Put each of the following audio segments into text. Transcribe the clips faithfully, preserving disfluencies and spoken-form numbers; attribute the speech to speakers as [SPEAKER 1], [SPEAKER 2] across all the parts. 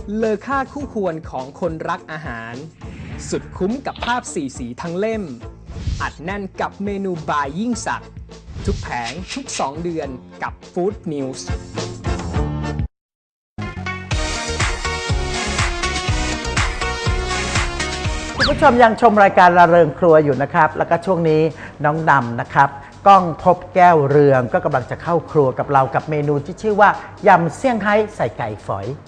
[SPEAKER 1] เลอค่าคู่ควรของคนรักอาหาร สุดคุ้มกับภาพสีสีทั้งเล่ม อัดแน่นกับเมนูบายยิ่งสักดิ์ทุกแผงทุกสองเดือนกับ Food News
[SPEAKER 2] คุณผู้ชมยังชมรายการระเริงครัวอยู่นะครับแล้วก็ช่วงนี้น้องดำนะครับก้องพบแก้วเรืองก็กำลังจะเข้าครัวกับเรากับเมนูที่ชื่อว่ายำเซี่ยงไฮ้ใส่ไก่ฝอย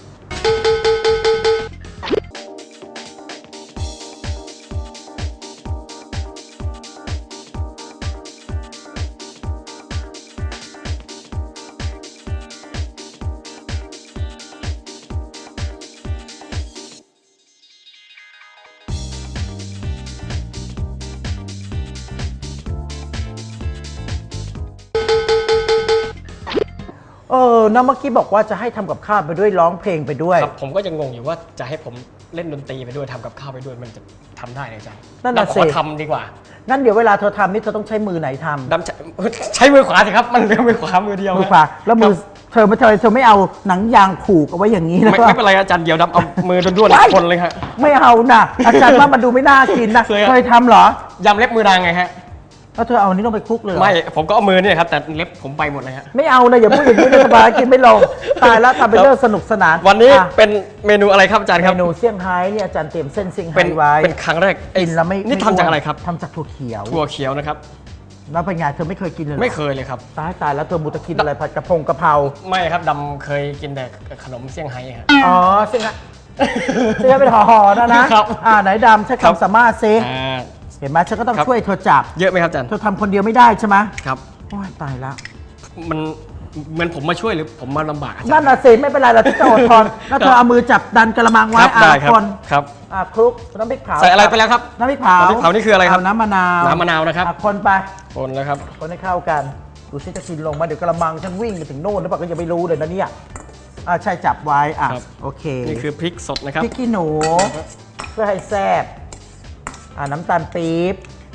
[SPEAKER 2] เออน้องเมื่อกี้บอกว่าจะให้ทำกับข้าวไปด้วยร้องเพลงไปด้วย
[SPEAKER 3] ครับผมก็ยังงงอยู่ว่าจะให้ผมเล่นดนตรีไปด้วยทำกับข้าวไปด้วยมันจะทำได้ไหมจ๊ะ
[SPEAKER 2] นั่นน่ะสิ
[SPEAKER 3] ขอทำดีกว่า
[SPEAKER 2] งั้นเดี๋ยวเวลาเธอทำนี่เธอต้องใช้มือไหนทำ
[SPEAKER 3] ดำใช้ใช้มือขวาสิครับมันเรียกมือขวามือเดียว
[SPEAKER 2] มือขวาแล้วมือเธอไม่เธอเธอไม่เอาหนังยางผูกเอาไว้อย่างนี้นะ
[SPEAKER 3] ไม่ไม่เป็นไรอาจารย์เดียวดำเอามือด้วนๆคนเลยครับ
[SPEAKER 2] ไม่เอานะอาจารย์ว่ามันดูไม่น่ากินนะเคยทำเหร
[SPEAKER 3] อยำเล็บมือนางไงฮะ
[SPEAKER 2] แล้วเธอเอาอันนี้ต้องไปคลุกเลย
[SPEAKER 3] ไม่ผมก็เอามือเนี่ยครับแต่เล็บผมไปหมดเลยฮะ
[SPEAKER 2] ไม่เอานะอย่าพูดอย่างนี้เลยสบายกินไม่ลงตายแล้วทำเป็นเรื่องสนุกสนาน
[SPEAKER 3] วันนี้เป็นเมนูอะไรครับอาจารย์ครับ
[SPEAKER 2] เมนูเซี่ยงไฮ้เนี่ยอาจารย์เตรียมเส้นเซี่ยงไฮ้ไว้
[SPEAKER 3] เป็นครั้งแรก
[SPEAKER 2] กินแล้วไม่
[SPEAKER 3] นี่ทำจากอะไรครับ
[SPEAKER 2] ทำจากถั่วเขียว
[SPEAKER 3] ถั่วเขียวนะครับ
[SPEAKER 2] แล้วเป็นไงเธอไม่เคยกินเลย
[SPEAKER 3] ไม่เคยเลยครับ
[SPEAKER 2] ตายตายแล้วเธอมุตะกินอะไรผัดกระพงกระเพรา
[SPEAKER 3] ไม่ครับดำเคยกินแต่ขนมเซี่ยงไฮ้ครับ
[SPEAKER 2] อ๋อเซี่ยงไฮ้เซี่ยงไฮ้เป็นห่อๆนะนะครับอ่าไหนดำใช้คำสามารถซิเห็นไหมฉันก็ต้องช่วยเธอจับ
[SPEAKER 3] เยอะไหมครับอาจารย์
[SPEAKER 2] เธอทำคนเดียวไม่ได้ใช่ไหม
[SPEAKER 3] ครับ
[SPEAKER 2] โอ้ยตายแล้ว
[SPEAKER 3] มันเหมือนผมมาช่วยหรือผมมาลำบาก
[SPEAKER 2] นั่นน่ะสิไม่เป็นไรเราจะอดทนแล้วเธอเอามือจับดันกระมังไว้อ่าคน
[SPEAKER 3] ครับ
[SPEAKER 2] อ่าคลุกน้ำพริกเผา
[SPEAKER 3] ใส่อะไรไปแล้วครับ
[SPEAKER 2] น้ำพริกเผา
[SPEAKER 3] น้ำพริกเผานี่คืออะไรครับ
[SPEAKER 2] น้ำมะนาว
[SPEAKER 3] น้ำมะนาวนะครับ
[SPEAKER 2] คนไป
[SPEAKER 3] คนแล้วครับ
[SPEAKER 2] คนให้เข้ากันดูซิจะกินลงมาเดี๋ยวกระมังฉันวิ่งไปถึงโน่นหรือเปล่าก็ยังไม่รู้เลยนะเนี่ยอ่าใช่จับไว้อ่ะโอเค
[SPEAKER 3] นี่คือพริกสดนะครับ
[SPEAKER 2] พริกขี้หนูเพื่อให้แซ่บอ่าน้ำตาลปี๊บ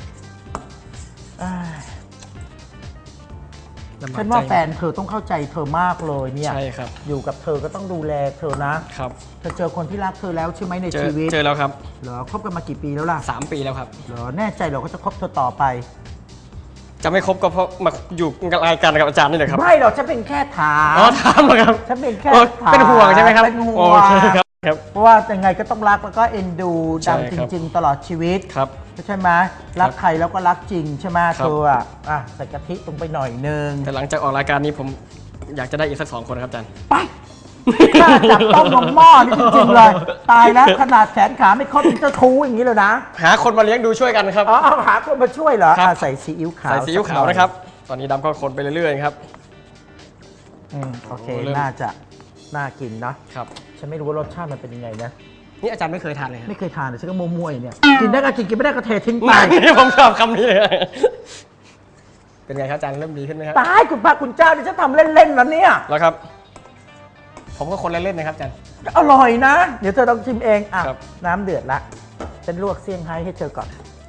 [SPEAKER 2] ฉันว่าแฟนเธอต้องเข้าใจเธอมากเลยเนี่ย
[SPEAKER 3] ใช่ครับ
[SPEAKER 2] อยู่กับเธอก็ต้องดูแลเธอนะครับเธอเจอคนที่รักเธอแล้วใช่ไหมในชีวิต
[SPEAKER 3] เจอแล้วครับ
[SPEAKER 2] เหรอคบกันมากี่ปีแล้วล่ะ
[SPEAKER 3] สามปีแล้วครับ
[SPEAKER 2] เหรอแน่ใจเราก็จะคบเธอต่อไป
[SPEAKER 3] จะไม่คบก็เพราะมาอยู่รายการกับอาจารย์นี่แหละครับ
[SPEAKER 2] ไม่หรอกฉันเป็นแค่ถาม
[SPEAKER 3] อ๋อถามเหรอครับ
[SPEAKER 2] ฉันเป็นแค่ถาม
[SPEAKER 3] เป็นห่วงใช่ไหมครับ
[SPEAKER 2] เป็นห่วงเพราะว่ายังไงก็ต้องรักแล้วก็เอ็นดูดำจริงๆตลอดชีวิต
[SPEAKER 3] ครับ
[SPEAKER 2] ใช่ไหมรักใครแล้วก็รักจริงใช่ไหมเธออ่ะอ่ะใส่กะทิลงไปหน่อยนึง
[SPEAKER 3] แต่หลังจากออกรายการนี้ผมอยากจะได้อีกสักสองคนครับอาจารย์
[SPEAKER 2] ไปข้าจับต้องลงหม้อนี่จริงๆเลยตายแล้วขนาดแขนขาไม่ครบจะทูอย่างนี้เลยนะ
[SPEAKER 3] หาคนมาเลี้ยงดูช่วยกันครับ
[SPEAKER 2] อ๋อหาคนมาช่วยเหรอใส่ซีอิ๊วขาว
[SPEAKER 3] ใส่ซีอิ๊วขาวนะครับตอนนี้ดำก็คนไปเรื่อยๆครับ
[SPEAKER 2] อืมโอเคน่าจะน่ากินนะครับฉันไม่รู้ว่ารสชาติมันเป็นยังไงนะ
[SPEAKER 3] นี่อาจารย์ไม่เคยทานเลย
[SPEAKER 2] ไม่เคยทานเลยฉันก็มั่วๆเนี่ยกินได้ก็กินกินไม่ได้ก็เททิ้งไป
[SPEAKER 3] นี่ผมชอบคำนี้เลยเป็นไงครับอาจารย์เริ่มดีขึ้นไหมครับ
[SPEAKER 2] ตายคุณพระคุณเจ้านี่ฉันทำเล่นๆแล้วเนี่ย
[SPEAKER 3] แล้วครับผมก็คนเล่นๆนะครับอาจารย์
[SPEAKER 2] อร่อยนะเดี๋ยวเธอต้องชิมเองอ่ะน้ำเดือดละฉันลวกเซี่ยงไฮ้ให้เธอก่อน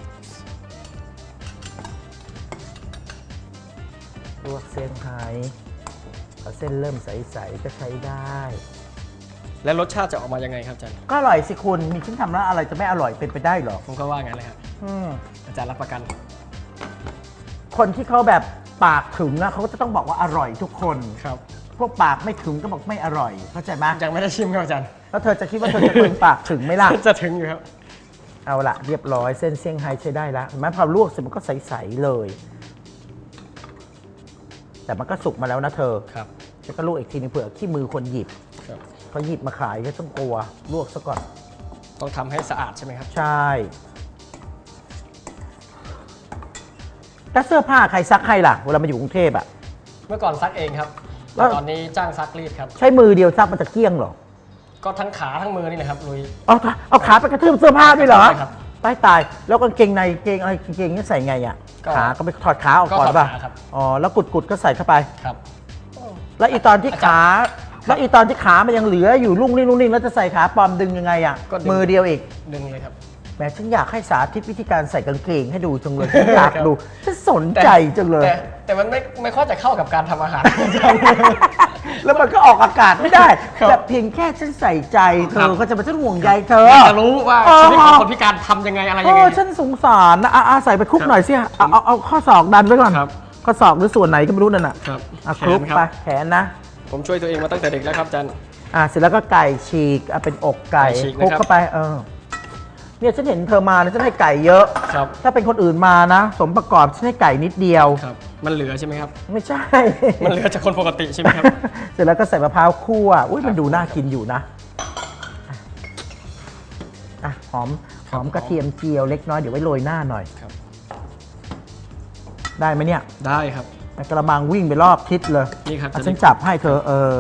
[SPEAKER 2] ลวกเซี่ยงไฮ้พอเส้นเริ่มใสๆก็ใช้ได้
[SPEAKER 3] และรสชาติจะออกมายังไงครับอาจารย์
[SPEAKER 2] ก็อร่อยสิคุณมีชิ้นทำแล้วอะไรจะไม่อร่อยเป็นไปได้หรอ
[SPEAKER 3] ผมก็ว่างั้นเลยครับอาจารย์รับประกัน
[SPEAKER 2] คนที่เขาแบบปากถึงนะเขาก็จะต้องบอกว่าอร่อยทุกคน
[SPEAKER 3] ครับ
[SPEAKER 2] พวกปากไม่ถึงก็บอกไม่อร่อยเข้าใจไหม
[SPEAKER 3] ยังไม่ได้ชิมครับอาจารย์
[SPEAKER 2] แล้วเธอจะคิดว่าเธอจะถึงปากถึงไหมล่ะ
[SPEAKER 3] จะถึงอยู่ครับ
[SPEAKER 2] เอาละเรียบร้อยเส้นเซี่ยงไฮ้ใช้ได้แล้วเห็นไหมพอลวกเสร็จมันก็ใสๆเลยแต่มันก็สุกมาแล้วนะเธอ
[SPEAKER 3] ครับ
[SPEAKER 2] จะก็ลวกอีกทีนึงเผื่อขี้มือคนหยิบเขาหยิบมาขายก็ต้องกลัวลวกซะก่อน
[SPEAKER 3] ต้องทำให้สะอาดใช่ไหมครับ
[SPEAKER 2] ใช่แล้วเสื้อผ้าใครซักให้ล่ะเวลามาอยู่กรุงเทพอ่ะ
[SPEAKER 3] เมื่อก่อนซักเองครับแต่ตอนนี้จ้างซักรีดครับ
[SPEAKER 2] ใช้มือเดียวซักมันจะเกลี้ยงหรอ
[SPEAKER 3] ก็ทั้งขาทั้งมือนี่แหละครับลุย
[SPEAKER 2] เอาเอาขาไปกระทืบเสื้อผ้าด้วยเหรอตายตายแล้วกางเกงในเกงอะไรกางเกงนี่ใส่ไงอ่ะขาก็ไปถอดขาออกก่อนป่ะอ๋อแล้วกุดกุดก็ใส่เข้าไป
[SPEAKER 3] ครับ
[SPEAKER 2] แล้วอีตอนที่ขาแล้วอีตอนที่ขามันยังเหลืออยู่ลุ่งนิ่งลุ่งนิ่งแล้วจะใส่ขาปลอมดึงยังไงอ่ะมือเดียวอีก
[SPEAKER 3] ดึงเลยครับ
[SPEAKER 2] แหมฉันอยากให้สาธิตวิธีการใส่กางเกงให้ดูจังเลยฉันอยากดูฉันสนใจจังเลย
[SPEAKER 3] แต่มันไม่ไม่ค่อยจะเข้ากับการทำอาหาร
[SPEAKER 2] แล้วมันก็ออกอากาศไม่ได้
[SPEAKER 3] ครับ
[SPEAKER 2] แต่เพียงแค่ฉันใส่ใจเธ
[SPEAKER 3] ครั
[SPEAKER 2] อบ ก็จะมาฉันห่วงใยเธอ
[SPEAKER 3] อยากจะรู้ว่า
[SPEAKER 2] เออ
[SPEAKER 3] ชีวิตของคนพิการทำยังไงอะไร
[SPEAKER 2] เอ
[SPEAKER 3] ยังไง
[SPEAKER 2] อฉันสงสารนะอ่ะอ่ะใส่ไปคลุก
[SPEAKER 3] ครับ
[SPEAKER 2] หน่อยสิเอาเอาเอาข้อศอกดันไว้ก่อน
[SPEAKER 3] ครับ
[SPEAKER 2] ข้อศอกหรือส่วนไหนก็ไม่รู้นั่นน่ะ
[SPEAKER 3] ครับ
[SPEAKER 2] อ่ะ
[SPEAKER 3] แข
[SPEAKER 2] คลุก
[SPEAKER 3] นครับ
[SPEAKER 2] ไปแขนนะ
[SPEAKER 3] ผมช่วยตัวเองมาตั้งแต่เด็กแล้วครับอาจารย์
[SPEAKER 2] อ่ะเสร็จแล้วก็ไก่ฉีกอ่ะเป็นอกไก่
[SPEAKER 3] ไก่ฉีก
[SPEAKER 2] คลุก
[SPEAKER 3] นะครับ
[SPEAKER 2] เข้าไปเออเนี่ยฉันเห็นเธอมานะฉันให้ไก่เยอะ
[SPEAKER 3] ครับ
[SPEAKER 2] ถ้าเป็นคนอื่นมานะ สมประกอบฉันให้ไก่นิดเดียว
[SPEAKER 3] ครับ มันเหลือใช่ไหมครับ
[SPEAKER 2] ไม่ใช่
[SPEAKER 3] มันเหลือจากคนปกติใช่ไหมครับ
[SPEAKER 2] เสร็จแล้วก็ใส่มะพร้าวคั่วอุ้ยมันดูน่ากินอยู่นะอ่ะหอมหอมกระเทียมเจียวเล็กน้อยเดี๋ยวไว้โรยหน้าหน่อย
[SPEAKER 3] ครับ
[SPEAKER 2] ได้ไหมเนี่ย
[SPEAKER 3] ได้ครับ
[SPEAKER 2] ในกระมังวิ่งไปรอบทิศเลย
[SPEAKER 3] นี่ครับ
[SPEAKER 2] อ่ะ
[SPEAKER 3] จะ
[SPEAKER 2] ฉันจับให้เธอเออ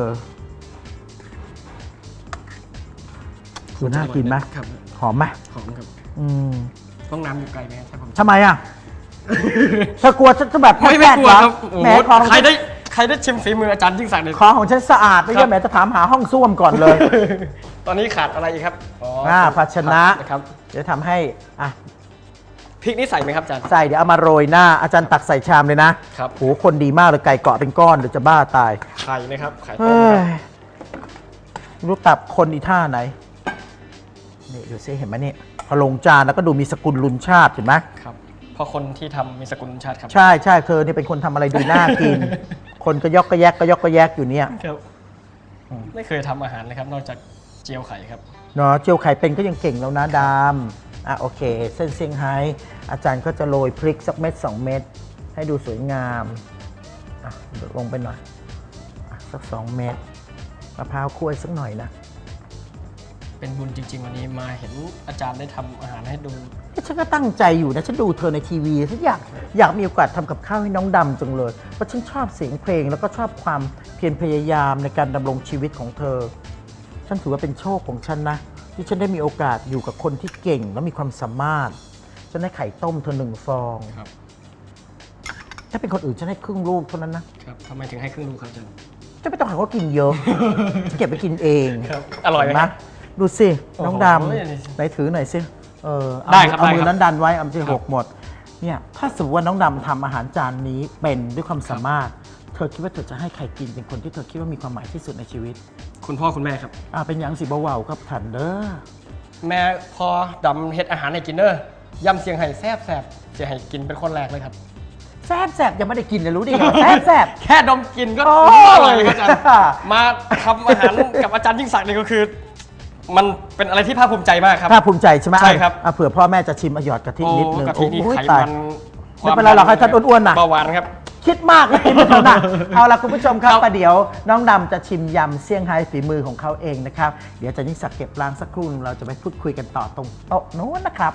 [SPEAKER 2] ดูน่ากินไหม
[SPEAKER 3] ครับ
[SPEAKER 2] หอมไหม
[SPEAKER 3] หอมครับ
[SPEAKER 2] อืม
[SPEAKER 3] ห้องน้ำอยู่ไกลไหมครับถ้าผม
[SPEAKER 2] ทำไมอ่ะเธอกลัวฉันจะแบบ
[SPEAKER 3] ไม่ไม่กลัวครับ
[SPEAKER 2] แหมของ
[SPEAKER 3] ใครได้ใครได้ชิมฝีมืออาจารย์ยิ่งศักดิ์เนี่ย
[SPEAKER 2] ของของฉันสะอาดไม่
[SPEAKER 3] ครั
[SPEAKER 2] ใช่
[SPEAKER 3] บ
[SPEAKER 2] แหมจะถามหาห้องส้วมก่อนเลย
[SPEAKER 3] ตอนนี้ขาดอะไรอีกครับอ๋อ
[SPEAKER 2] อ่าภาชนะ
[SPEAKER 3] นะครับ
[SPEAKER 2] เดี๋ยวทำให้อ่ะ
[SPEAKER 3] พริกนี่ใส่ไหมครับอาจารย์
[SPEAKER 2] ใส่เดี๋ยวเอามาโรยหน้าอาจารย์ตักใส่ชามเลยนะครับ โหคนดีมากเลยไก่เกาะเป็นก้อนเดี๋ยวจะบ้าตาย
[SPEAKER 3] ไข่นะครับไข่ต้
[SPEAKER 2] เฮ้
[SPEAKER 3] มค
[SPEAKER 2] ย
[SPEAKER 3] รับ
[SPEAKER 2] รู้ตับคนอีท่าไหนนี่ดูซิเห็นไหมนี่พอลงจานแล้วก็ดูมีสกุลลุนชาติเห็นไหม
[SPEAKER 3] ครับ เพราะคนที่ทำมีสกุลชาติครับ
[SPEAKER 2] ใช่ใช่เธอเนี่ยเป็นคนทำอะไรดูน่ากิน คนก็ยอกก็แยกก็ยอกก็แยกอยู่เนี่ย
[SPEAKER 3] ครับไม่เคยทำอาหารเลยครับ นอกจากเจียวไข่ครับ
[SPEAKER 2] เนาะเจียวไข่เป็นก็ยังเก่งแล้วนะดามอ่ะโอเค เส้นเซี่ยงไฮ้อาจารย์ก็จะโรยพริกสักเม็ดสองเม็ดให้ดูสวยงามอ่ะลงไปหน่อยอ่ะสักสองเม็ดมะพร้าวคั่วสักหน่อยนะ
[SPEAKER 3] เป็นบุญจริง ๆ วันนี้มาเห็นอาจารย์ได้ทำอาหารให้ดู
[SPEAKER 2] ฉันก็ตั้งใจอยู่นะฉันดูเธอในทีวีฉันอยากอยากมีโอกาสทำกับข้าวให้น้องดำจังเลยเพราะฉันชอบเสียงเพลงแล้วก็ชอบความเพียรพยายามในการดำรงชีวิตของเธอ ฉันถือว่าเป็นโชคของฉันนะที่ฉันได้มีโอกาสอยู่กับคนที่เก่งและมีความสามารถฉันให้ไข่ต้มเธอหนึ่งฟอง
[SPEAKER 3] ครับ
[SPEAKER 2] ถ้าเป็นคนอื่นฉันให้ครึ่งลูกเท่านั้นนะครับ
[SPEAKER 3] ทำไมถึงให้ครึ่งลูกครับอาจารย์
[SPEAKER 2] จะไม่ต้องให้เขากินเยอะ ฉันเก็บไปกินเอง
[SPEAKER 3] ครับอร่อยไหม
[SPEAKER 2] เนดูสิน้องด
[SPEAKER 3] โอ้โห
[SPEAKER 2] ำไหนถือหน่อยสิเออเอา
[SPEAKER 3] ได้ครับ
[SPEAKER 2] เอามือ
[SPEAKER 3] ได้ครับ
[SPEAKER 2] นั้นดันไว้เอามือ
[SPEAKER 3] ครับ
[SPEAKER 2] หกหมดเนี่ยถ้าสมมติว่าน้องดำทำอาหารจานนี้เป็นด้วยความสามารถ เธอคิดว่าเธอจะให้ใครกินเป็นคนที่เธอคิดว่ามีความหมายที่สุดในชีวิต
[SPEAKER 3] คุณพ่อคุณแม่ครับ
[SPEAKER 2] อ่าเป็นอย่างสิบ่าวๆครับถันเด้อ
[SPEAKER 3] แม่พอดำเฮ็ดอาหารให้กินเนอร์ยำเสียงไห่แซ่บแซ่บเสียงไห่กินเป็นคนแรกเลยครับ
[SPEAKER 2] แซ่บแซ่บยังไม่ได้กินเลยรู้ดิไงแซ่บแซ่บ
[SPEAKER 3] แค่ดมกลินก็
[SPEAKER 2] โอ้
[SPEAKER 3] รู้
[SPEAKER 2] ย
[SPEAKER 3] ว่าอร่อยเลยครับอาจารย์มาทำอาหารกับอาจารย์ยิ่งศักดิ์นี่ก็คือ มันเป็นอะไรที่ภาคภูมิใจมากครับ
[SPEAKER 2] ภาคภูมิใจใช่ไหม
[SPEAKER 3] ใช่ครับ
[SPEAKER 2] อ่ะเผื่อพ่อแม่จะชิมอะหยอดกะทิ
[SPEAKER 3] โอ้
[SPEAKER 2] นิดนึง
[SPEAKER 3] กะทินี่
[SPEAKER 2] โอ้ย
[SPEAKER 3] ไข
[SPEAKER 2] ตาย
[SPEAKER 3] มัน
[SPEAKER 2] ไม่เป็นไรหรอกให้ท่านอ้วนๆน่ะ
[SPEAKER 3] เบาหวานครับ
[SPEAKER 2] คิดมากนะกินไม่ทันนะเอาล่ะคุณผู้ชมครับ
[SPEAKER 3] ครับ
[SPEAKER 2] ประเดี๋ยวน้องดำจะชิมยำเซี่ยงไฮ้ฝีมือของเขาเองนะครับ เดี๋ยวอาจะยิ่งศักดิ์เก็บล้างสักครู่หนึ่งเราจะไปพูดคุยกันต่อตรงโต๊ะโน้นนะครับ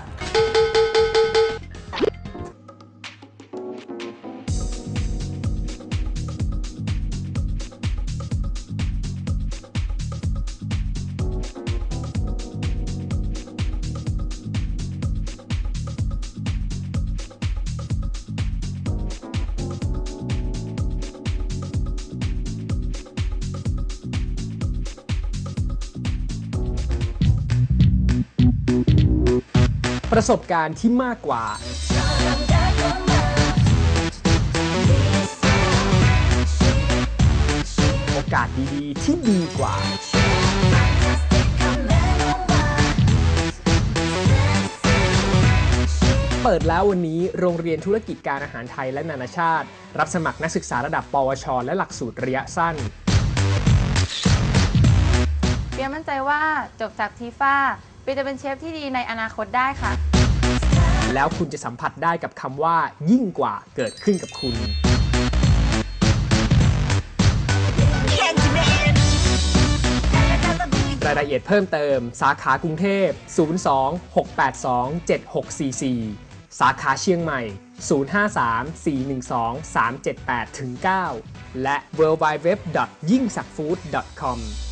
[SPEAKER 1] ประสบการณ์ที่มากกว่า โอกาสดีๆ ที่ดีกว่า เปิดแล้ววันนี้โรงเรียนธุรกิจการอาหารไทยและนานาชาติ รับสมัครนักศึกษาระดับ ปวช และหลักสูตรระยะสั้น
[SPEAKER 4] เปียมั่นใจว่าจบจากทีฟ้าเปียจะเป็นเชฟที่ดีในอนาคตได้ค่ะ
[SPEAKER 1] แล้วคุณจะสัมผัสได้กับคำว่ายิ่งกว่าเกิดขึ้นกับคุณ รายละเอียดเพิ่มเติมสาขากรุงเทพ ศูนย์ สอง หก แปด สอง เจ็ด หก สี่ สี่ สาขาเชียงใหม่ ศูนย์ ห้า สาม สี่ หนึ่ง สอง สาม เจ็ด แปด เก้า และ ดับเบิลยู ดับเบิลยู ดับเบิลยู ดอท ยิ่งศักดิ์ฟู้ด ดอท คอม